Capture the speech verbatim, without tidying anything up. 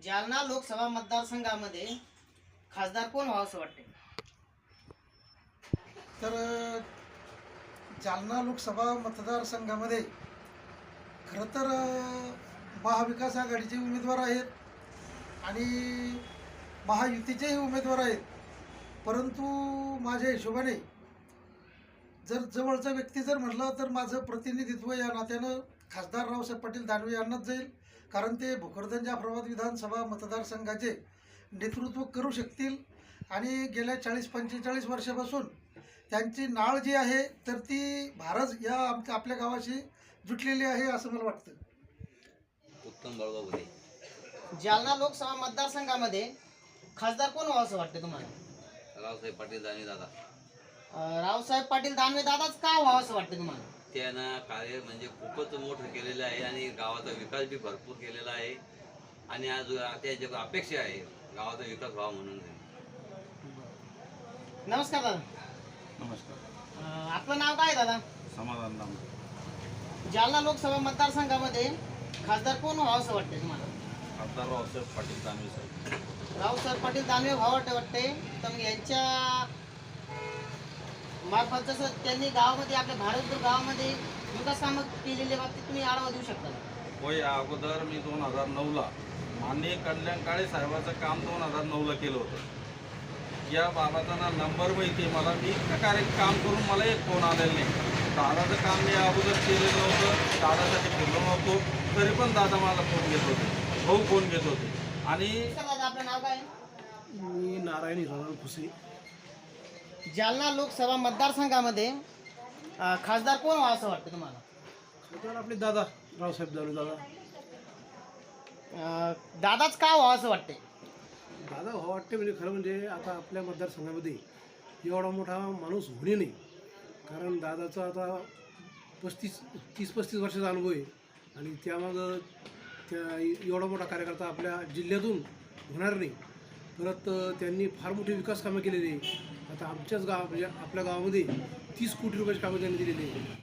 जालना लोकसभा मतदारसंघामध्ये खासदार कोण व्हावं असं वाटते? तर अ, जालना लोकसभा मतदारसंघामध्ये खरं तर अ, महाविकास आघाडीचे उमेदवार आहेत आणि महायुतीचेही उमेदवार आहेत. परंतु माझ्या हिशोबाने जर जवळचा व्यक्ती जर म्हटलं तर माझं प्रतिनिधित्व या नात्यानं खासदार रावसाहेब पाटील दानवे यांनाच जाईल. कारण ते भोकरदन जाफराबाद विधानसभा मतदारसंघाचे नेतृत्व करू शकतील आणि गेल्या चाळीस पंचेचाळीस वर्षापासून त्यांची नाळ जी आहे तर ती भारत या आमच्या आपल्या गावाशी जुटलेली आहे असं मला वाटतं. उत्तम बाळगाव. जालना लोकसभा मतदारसंघामध्ये खासदार कोण व्हावं असं वाटते तुम्हाला? रावसाहेब पाटील दानवे दादा. अं, रावसाहेब पाटील दानवे दादाच का व्हावं असं वाटतं तुम्हाला? त्यानं कार्य म्हणजे खूपच मोठं केलेलं आहे आणि गावाचा विकास बी भरपूर केलेला आहे आणि आज त्याची अपेक्षा आहे गावाचा विकास व्हावा म्हणून. नमस्कार दादा. नमस्कार. अं, आपलं नाव काय आहे दादा? समाधान नाम. जालना लोकसभा मतदारसंघामध्ये खासदार कोण व्हावं असं वाटते तुम्हाला? खासदार रावसाहेब पाटील दानवे साहेब. रावसाहेब पाटील दानवे व्हावं वाटते वाटते तर मग यांच्या मार्फत जसं त्यांनी गावामध्ये आपल्या भारतभर गावामध्ये विकास कामं केलेल्या बाबतीत तुम्ही आढावा देऊ शकता का? होय, या अगोदर मी दोन हजार नऊला माननीय कल्याण काळे साहेबाचं काम दोन हजार नऊला केलं होतं. या बाबाचा ना नंबर माहिती आहे मला. मी इतकं कार्य काम करून मला एक फोन आलेला नाही. दादाचं काम मी अगोदर केलेलं नव्हतं, दादासाठी फिरलो नव्हतो, तरी पण दादा मला फोन घेत होते, भाऊ फोन घेत होते. आणि नमस्कार दादा, आपलं नाव काय आहे? मी नारायण हिरालाल खुसे. जालना लोकसभा मतदारसंघामध्ये अं, खासदार कोण व्हावं असं वाटतं तुम्हाला? तर आपले दादा रावसाहेब दानवे दादा अं, दादाच का व्हावं असं वाटते? दादा भाऊ वाटते म्हणजे खरं म्हणजे आता आपल्या मतदारसंघामध्ये एवढा मोठा माणूस होणे नाही. कारण दादाचा आता पस्तीस तीस पस्तीस वर्षाचा अनुभव आहे आणि त्यामागं त्या एवढा मोठा कार्यकर्ता आपल्या जिल्ह्यातून होणार नाही. परत त्यांनी फार मोठी विकास कामं केलेली आहे. आता आमच्याच गाव म्हणजे आपल्या गावामध्ये तीस कोटी रुपयाची कामं त्यांनी दिलेली आहे.